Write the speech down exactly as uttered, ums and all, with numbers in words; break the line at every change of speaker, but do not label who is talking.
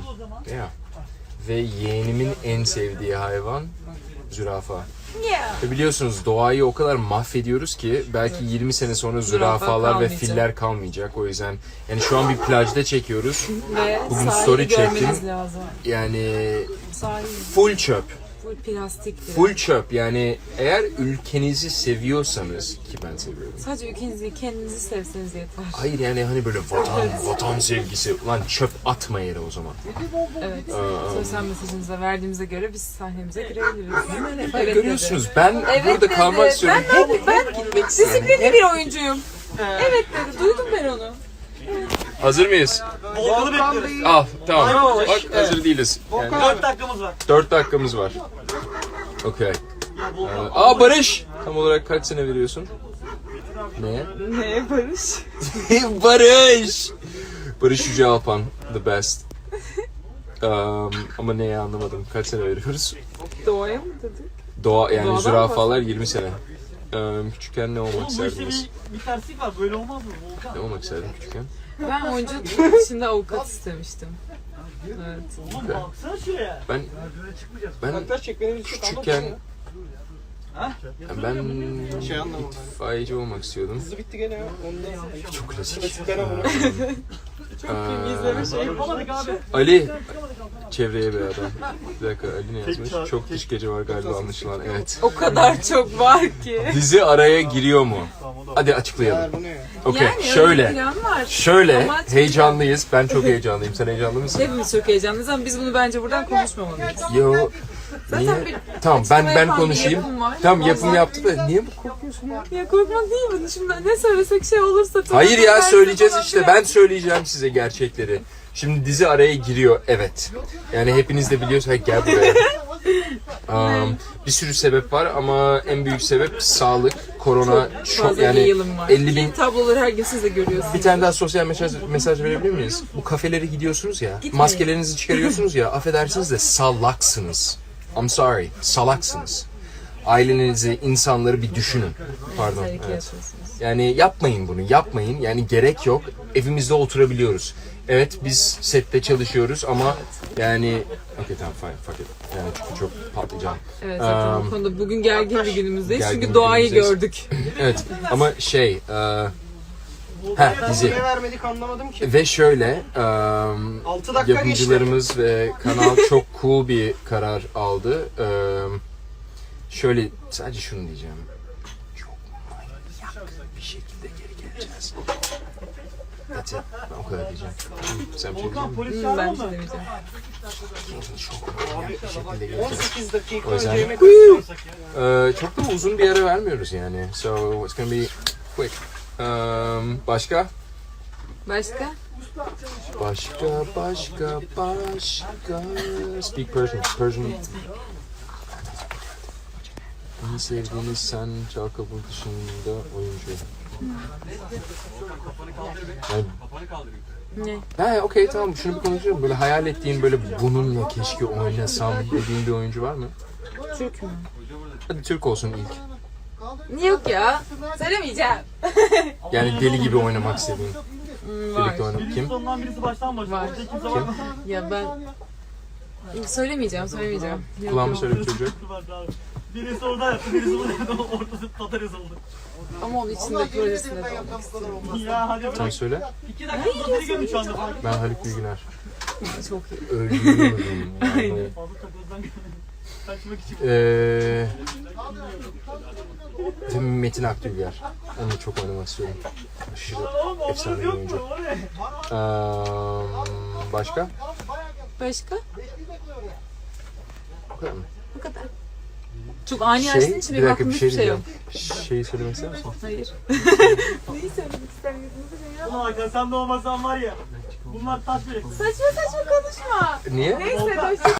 Yeah. Ve yeğenimin en sevdiği hayvan zürafa.
Yeah.
Ve biliyorsunuz doğayı o kadar mahvediyoruz ki belki yirmi sene sonra
Zürafa
zürafalar ve
kalmayacak.
filler kalmayacak. O yüzden yani şu an bir plajda çekiyoruz.
Ve
Bugün
sahili
story
görmeniz
çektim.
lazım.
Yani
Sahil
full çöp.
full plastik. bile.
Full çöp. Yani eğer ülkenizi seviyorsanız ki ben seviyorum.
Sadece ülkenizi, kendinizi sevseniz yeter.
Hayır yani hani böyle vatan, vatan sevgisi. Ulan çöp atma yere o zaman.
Evet.
Aa.
Sosyal mesajınıza verdiğimize göre biz sahnemize girebiliriz.
Bak,
Evet
görüyorsunuz
dedi.
ben
Evet
burada
dedi.
kalmak istiyorum.
Ben, ben, ben
Gitmek istiyorum.
disiplinli bir oyuncuyum. Evet dedi. Duydum ben onu.
Hazır mıyız?
Volkan'ı bekliyoruz.
Al tamam.
Aynen.
Bak hazır değiliz. Yani
dört dakikamız var.
dört dakikamız var. Okey. Aa Barış! Tam olarak kaç sene veriyorsun? Neye?
Neye Barış?
Barış! Barış Yüce Alpan. The best. Um, ama neye anlamadım. Kaç sene veriyoruz?
Doğaya mı dedik?
Doğa yani
Doğadan
zürafalar yirmi sene. Um, küçükken ne olmak
Oğlum bu işte
isterdiniz?
bir, bir terslik var. Böyle olmaz mı Volkan?
Ne olmak isterdin küçükken?
Ben oyunculuk dışında avukat istemiştim. Evet.
Oğlum baksana şuraya.
Ben ben küçükken
Ha?
yani ben itfaiyeci olmak istiyordum.
bitti gene ya. Ondan
Çok klasik.
İzleme şey.
Yapamadık abi.
Ali çevreye bir adam. Bir dakika Ali ne yazmış? Çok dış gece var galiba anlaşılan. Evet.
O kadar çok var ki.
Dizi araya giriyor mu? Hadi açıklayalım.
bu ne ya?
Okey.
Yani öyle bir
Şöyle.
plan var.
Şöyle
Ama çok-
heyecanlıyız. Ben çok heyecanlıyım. Sen heyecanlı mısın?
Hepimiz çok heyecanlıyız ama biz bunu bence buradan konuşmamalıyız.
Yo. Niye?
bir
Tamam ben ben
yapan bir
konuşayım.
yapım var.
Tamam yapım
Ondan-
yaptı da niye bu korkuyorsun ya?
Ya korkmak değil mi? Şimdi ne söylesek şey olursa...
Hayır ya
Ben-
söyleyeceğiz işte. Ben söyleyeceğim size gerçekleri. Şimdi dizi araya giriyor. Evet. Yani hepiniz de biliyorsunuz. Hey, gel buraya. Um, bir sürü sebep var ama en büyük sebep sağlık, korona, çok,
Fazla
yani
bir yılım var.
elli bin.
Ki tabloları her gün siz de görüyorsunuz.
Bir tane daha sosyal mesaj, mesaj verebilir miyiz? Bu kafelere gidiyorsunuz ya, maskelerinizi çıkarıyorsunuz ya, affedersiniz de salaksınız. I'm sorry, salaksınız. Ailenizi, insanları bir düşünün. Pardon.
Tehlike
Evet.
yaşıyorsunuz.
Yani yapmayın bunu, yapmayın. Yani gerek yok. Evimizde oturabiliyoruz. Evet biz sette çalışıyoruz ama yani... Okey tamam fine, fuck it. Yani çünkü çok patlayacağım.
Evet zaten
Um,
bu konuda bugün gergin bir günümüzdeyiz
gergin
çünkü
bir
doğayı
günümüzdeyiz.
gördük.
Evet ama şey... E, heh, dizi.
Niye vermedik anlamadım ki.
Ve şöyle... Um,
altı dakika geçti.
yapımcılarımız ve kanal çok cool bir karar aldı. Ee, şöyle sadece şunu diyeceğim. Çok manyak bir şekilde geri geleceğiz. That's it. Ben o kadar diyeceğim. Sen bir şey
Volkan
diyecek
polis
Hmm,
çağırma
ben
mı?
şey demeyeceğim.
misin? Çok manyak bir şekilde
on
geleceğiz.
sekiz dakika
O yüzden-
önce yemek
Ee, çok da uzun bir ara vermiyoruz yani. So it's gonna be quick. Um, başka?
Başka?
Başka, başka, başka. Speak Persian. Persian. En sevdiğiniz sen çal kapı dışında oyuncu. Yani,
Ne?
ha okey tamam şunu bir konuşalım. Böyle hayal ettiğin böyle bununla keşke oynasam dediğin bir oyuncu var mı?
Türk mü?
Hadi Türk olsun ilk.
Yok ya. Söylemeyeceğim.
Yani deli gibi oynamak istediğin.
Hmm, var.
Birlikte oynamak. Kim?
Sondan birisi baştan başlıyor.
Var.
Orada kimse var mı?
Ya ben... Söylemeyeceğim, söylemeyeceğim. Yok,
Kulağımı
yok.
söyle bir çocuk.
Birisi orada yaptı, birisi burada yaptı. Ortası Tatar yazıldı.
Ama onun içinde projesinde de olmak istiyorum.
Ya hadi
Sen
bırak.
söyle.
İki dakika Tatar'ı gördüm şu anda.
Ben Haluk Bilginer.
Çok iyi.
Ölüyorum. Yani.
Fazla Tatar'dan kaçmak için.
Eee Ee, Metin Akdülger. Onu çok oynamak istiyorum. Aşırı
Oğlum
efsane
onların
bir
yok
oyuncu.
mu? O ne?
Eee, başka?
Başka?
Bu kadar mı?
Bu kadar. Çok ani açtığın için
bir
benim
dakika
aklımda
bir şey
hiçbir şey yok.
diyeceğim. Şeyi söylemek ister misin?
Hayır. Neyi söylemek istemiyorsunuz ya?
Ulan Hakan sen de olmasan var ya. Bunlar taş bile.
Saçma saçma konuşma.
Niye?
Neyse, hoşça